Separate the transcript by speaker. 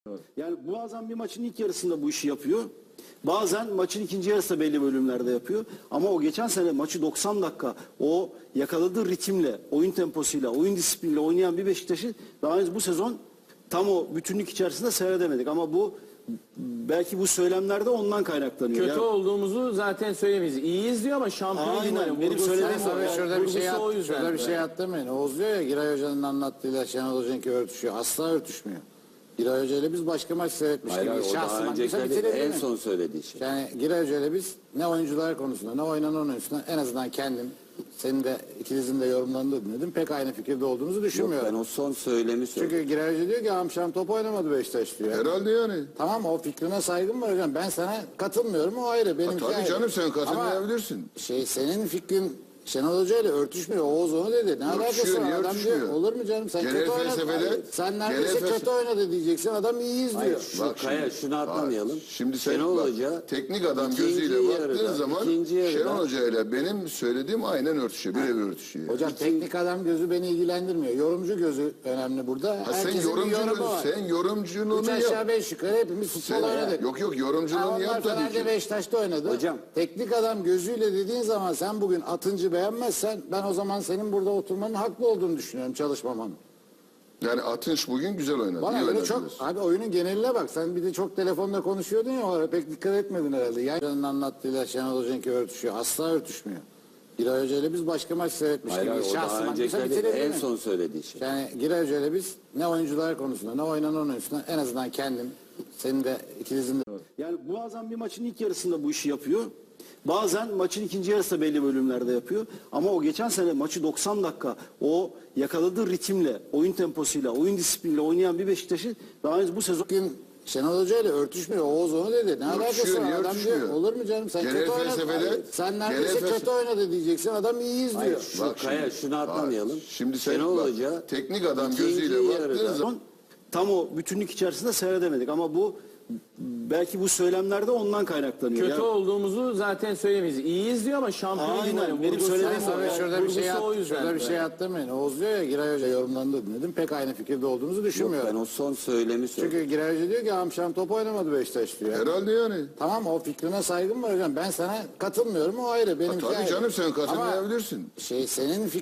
Speaker 1: Yani bazen bir maçın ilk yarısında bu işi yapıyor. Bazen maçın ikinci yarısında belli bölümlerde yapıyor. Ama o geçen sene maçı 90 dakika o yakaladığı ritimle, oyun temposuyla, oyun disipliniyle oynayan bir Beşiktaş'ı daha henüz bu sezon tam o bütünlük içerisinde seyredemedik. Ama bu belki bu söylemlerde ondan kaynaklanıyor.
Speaker 2: Kötü
Speaker 1: Yani,
Speaker 2: olduğumuzu zaten söylemeyiz. İyiyiz diyor ama şampiyon
Speaker 1: Aynen,
Speaker 2: değil.
Speaker 1: benim söylediğim o.
Speaker 3: Tabii şurada bir şey
Speaker 2: Şurada
Speaker 3: bir şey atlamayın. Oğuz diyor ya, Giray Hoca'nın anlattığıyla Şenol Hoca'nınki örtüşüyor. Asla örtüşmüyor. Giray Hoca ile biz başka maç seyretmiş
Speaker 4: Hayır,
Speaker 3: gibi.
Speaker 4: o daha
Speaker 3: Şahsen
Speaker 4: önceki en son söylediği şey.
Speaker 3: Yani Giray Hoca ile biz ne oyuncular konusunda ne oynanan oyuncular en azından kendim, senin de ikinizin de yorumlarını dinledim. Pek aynı fikirde olduğumuzu
Speaker 4: Yok,
Speaker 3: düşünmüyorum.
Speaker 4: ben o son söylemi söyledim.
Speaker 3: Çünkü Giray Hoca diyor ki amşam top oynamadı Beşiktaş diyor.
Speaker 5: Herhalde yani.
Speaker 3: Tamam, o fikrine saygım var hocam. Ben sana katılmıyorum, o ayrı. Benimki
Speaker 5: Tabii
Speaker 3: ayrı.
Speaker 5: canım, sen katılmayabilirsin.
Speaker 3: Ama senin fikrin Şenol Hoca ile örtüşmüyor. Oğuz onu dedi. Ne alakası
Speaker 5: Örtüşüyor,
Speaker 3: var?
Speaker 5: niye
Speaker 3: Adam diyor,
Speaker 5: örtüşmüyor?
Speaker 3: olur mu canım? Sen
Speaker 5: Genel
Speaker 3: kötü oynadın.
Speaker 5: felsefede-
Speaker 3: Hayır, sen neredeyse
Speaker 5: genel
Speaker 3: kötü oynadı diyeceksin. Adam iyiyiz
Speaker 4: Hayır,
Speaker 3: diyor.
Speaker 4: şu
Speaker 5: Bak
Speaker 4: Kaya
Speaker 5: şimdi,
Speaker 4: şunu atlamayalım.
Speaker 5: Şimdi sen
Speaker 4: Şenol
Speaker 5: bak,
Speaker 4: Hoca
Speaker 5: teknik adam
Speaker 4: ikinci
Speaker 5: gözüyle baktığın
Speaker 4: yarıda-
Speaker 5: zaman
Speaker 4: ikinci yarıda-
Speaker 5: Şenol Hoca ile benim söylediğim aynen örtüşüyor. Birebir örtüşüyor.
Speaker 3: Hocam teknik adam gözü beni ilgilendirmiyor. Yorumcu gözü önemli burada.
Speaker 5: Ha, sen
Speaker 3: Herkesin bir yorumu
Speaker 5: yorumculuğunu,
Speaker 3: var.
Speaker 5: sen yorumculuğunu
Speaker 3: Üç
Speaker 5: yap.
Speaker 3: aşağı beş yukarı hepimiz futbol oynadık.
Speaker 5: Yok yorumculuğunu
Speaker 3: Onlar
Speaker 5: yap tabii
Speaker 3: Fener'de
Speaker 5: ki.
Speaker 3: Beşiktaş'ta oynadı.
Speaker 4: Hocam.
Speaker 3: Teknik adam gözüyle dediğin zaman sen bugün Atıncı beğenmezsen ben o zaman senin burada oturmanın haklı olduğunu düşünüyorum, çalışmamanın.
Speaker 5: Yani Atınç bugün güzel oynadı.
Speaker 3: Bana
Speaker 5: iyi
Speaker 3: göre
Speaker 5: oynadı
Speaker 3: çok,
Speaker 5: diyorsun.
Speaker 3: abi oyunun geneline bak. Sen bir de çok telefonda konuşuyordun ya, o ara pek dikkat etmedin herhalde. Yani Hoca'nın anlattığıyla Şenol Hoca'nınki örtüşüyor. Asla örtüşmüyor. Giray Hoca ile biz başka maç seyretmiş
Speaker 4: Hayır,
Speaker 3: gibi.
Speaker 4: o daha
Speaker 3: Şahsen
Speaker 4: önceki en son söylediği şey.
Speaker 3: Yani Giray Hoca ile biz ne oyuncular konusunda ne oynanan oyuncular en azından kendim, senin de ikinizin de.
Speaker 1: yani bazen bir maçın ilk yarısında bu işi yapıyor. Bazen maçın ikinci yarısında belli bölümlerde yapıyor. Ama o geçen sene maçı 90 dakika o yakaladığı ritimle, oyun temposuyla, oyun disipliniyle oynayan bir Beşiktaş'ı daha henüz bu sezon
Speaker 3: Bugün Şenol Hoca ile örtüşmüyor. Oğuz onu dedi. Ne alakası
Speaker 5: Örtüşüyor,
Speaker 3: var?
Speaker 5: niye
Speaker 3: Adam diyor,
Speaker 5: örtüşmüyor?
Speaker 3: olur mu canım? Sen
Speaker 5: Genel
Speaker 3: kötü oynadın.
Speaker 5: felsefede-
Speaker 3: Hayır, sen neredeyse
Speaker 5: genel
Speaker 3: kötü oynadı diyeceksin. Adam iyiyiz
Speaker 4: Hayır,
Speaker 3: diyor.
Speaker 4: şu
Speaker 5: Bak
Speaker 4: Kaya
Speaker 5: şimdi,
Speaker 4: şunu atlamayalım.
Speaker 5: Şimdi sen
Speaker 4: Şenol
Speaker 5: bak,
Speaker 4: Hoca
Speaker 5: teknik adam
Speaker 4: ikinci
Speaker 5: gözüyle baktığın
Speaker 4: yarıda-
Speaker 5: zaman
Speaker 1: tam o bütünlük içerisinde seyredemedik. Ama bu belki bu söylemlerde ondan kaynaklanıyor.
Speaker 2: Kötü
Speaker 1: Yani,
Speaker 2: olduğumuzu zaten söylemeyiz. İyiyiz diyor ama şampiyon
Speaker 1: Aynen,
Speaker 2: değil.
Speaker 1: benim söylediğim o.
Speaker 3: Tabii şurada bir şey
Speaker 2: at.
Speaker 3: atlamayın. Oğuz diyor ya, Giray Hoca yorumlarını da dinledim. Pek aynı fikirde olduğumuzu
Speaker 4: Yok,
Speaker 3: düşünmüyorum.
Speaker 4: ben o son söylemi söyledim.
Speaker 3: Çünkü Giray Hoca diyor ki amşam top oynamadı Beşiktaş diyor.
Speaker 5: herhalde yani.
Speaker 3: Tamam, o fikrine saygım var hocam. Ben sana katılmıyorum, o ayrı. Benimki
Speaker 5: Tabii
Speaker 3: ayrı.
Speaker 5: canım, sen
Speaker 3: Ama
Speaker 5: katılmayabilirsin.
Speaker 3: senin